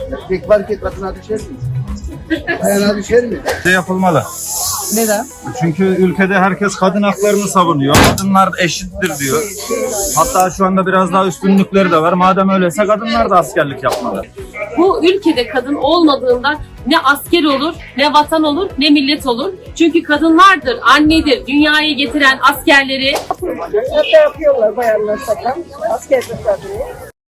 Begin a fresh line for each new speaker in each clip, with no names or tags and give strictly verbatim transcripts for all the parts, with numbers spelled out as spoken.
Erkek var ki kadına düşer mi? Bayana düşer mi?
De yapılmalı.
Neden?
Çünkü ülkede herkes kadın haklarını savunuyor. Kadınlar eşittir diyor. Hatta şu anda biraz daha üstünlükleri de var. Madem öyleyse kadınlar da askerlik yapmalı.
Bu ülkede kadın olmadığında ne asker olur, ne vatan olur, ne millet olur. Çünkü kadınlardır, annedir, dünyaya getiren askerleri.
Hatta yapıyorlar bayanlar sakan. Askerlik kadını.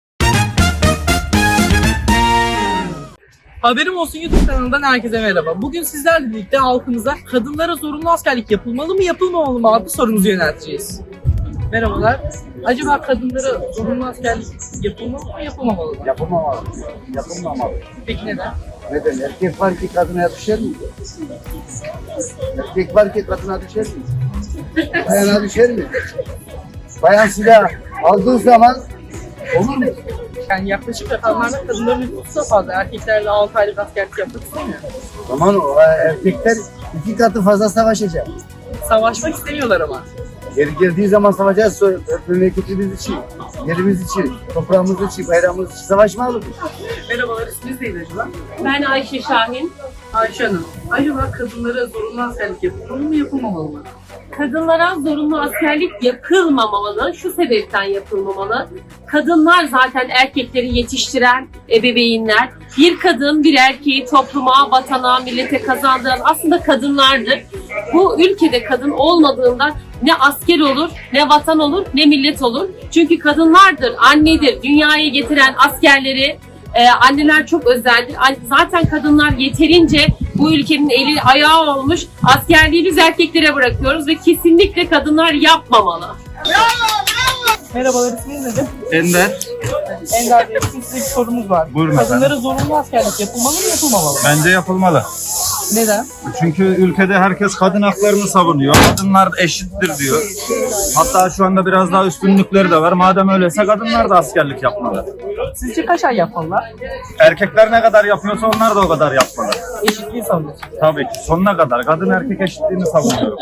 Haberim Olsun YouTube kanalından herkese merhaba. Bugün sizlerle birlikte halkımıza kadınlara zorunlu askerlik yapılmalı mı yapılmamalı mı adlı sorumuzu yönelteceğiz. Merhabalar. Acaba kadınlara zorunlu askerlik yapılmalı mı yapılmamalı mı?
Yapılmamalı. Yapılmamalı.
Peki neden?
Neden? Erkek var ki kadına düşer mi? Erkek var ki kadına düşer mi? Bayana düşer mi? Bayan silah aldığı zaman olur mu?
Yani yaklaşık rakamlarda kadınların nüfusu da fazla. Erkeklerle altı aylık askerlik yapmak istemiyor.
O zaman o erkekler iki katı fazla savaşacak.
Savaşmak istemiyorlar ama.
Geri geldiği zaman savaşacağız. Sonra memleketimiz için, yerimiz için, toprağımız için, bayrağımız için savaşmalı mı?
Merhabalar, isminiz neydi acaba?
Ben Ayşe Şahin.
Ayşe Hanım. Acaba kadınlara zorunlu askerlik yapılmalı mı yapılmamalı mı?
Kadınlara zorunlu askerlik yapılmamalı. Şu sebepten yapılmamalı. Kadınlar zaten erkekleri yetiştiren ebeveynler. Bir kadın bir erkeği topluma, vatana, millete kazandıran aslında kadınlardır. Bu ülkede kadın olmadığında ne asker olur, ne vatan olur, ne millet olur. Çünkü kadınlardır, annedir, dünyaya getiren askerleri. Ee, anneler çok özeldir. Zaten kadınlar yeterince bu ülkenin eli ayağı olmuş. Askerliği biz erkeklere bırakıyoruz ve kesinlikle kadınlar yapmamalı.
Merhabalar, isminiz nedir?
Ender,
Ender Bey, bizim size bir sorumuz var.
Buyurun
Kadınlara zorunlu askerlik yapılmalı mı yapılmamalı mı?
bence yapılmalı.
Neden?
Çünkü ülkede herkes kadın haklarını savunuyor. Kadınlar eşittir diyor. Hatta şu anda biraz daha üstünlükleri de var. Madem öyleyse kadınlar da askerlik yapmalı.
Sizce kaç ay yapmalılar?
Erkekler ne kadar yapıyorsa onlar da o kadar yapmalı.
Eşitliği savunuyorsunuz.
Tabii ki sonuna kadar. Kadın erkek eşitliğini savunuyor.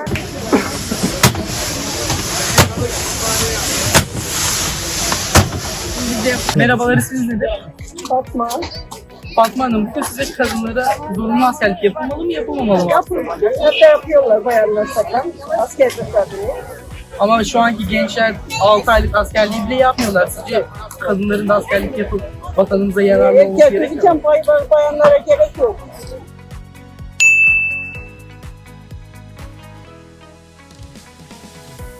Merhabalar, isminiz nedir?
Fatma.
Fatma Hanım, bu size kadınlara zorunlu askerlik yapılmalı mı yapılmamalı mı?
Yapılmadı. Hatta yapıyorlar bayanlar sakan. Askerlik kadını.
Ama şu anki gençler altı aylık askerliği bile yapmıyorlar. Sizce kadınların da askerlik yapıp vatanımıza yararlı
Evet,
olması gerekiyor mu?
gerçekten bay, bay, bayanlara gerek yok.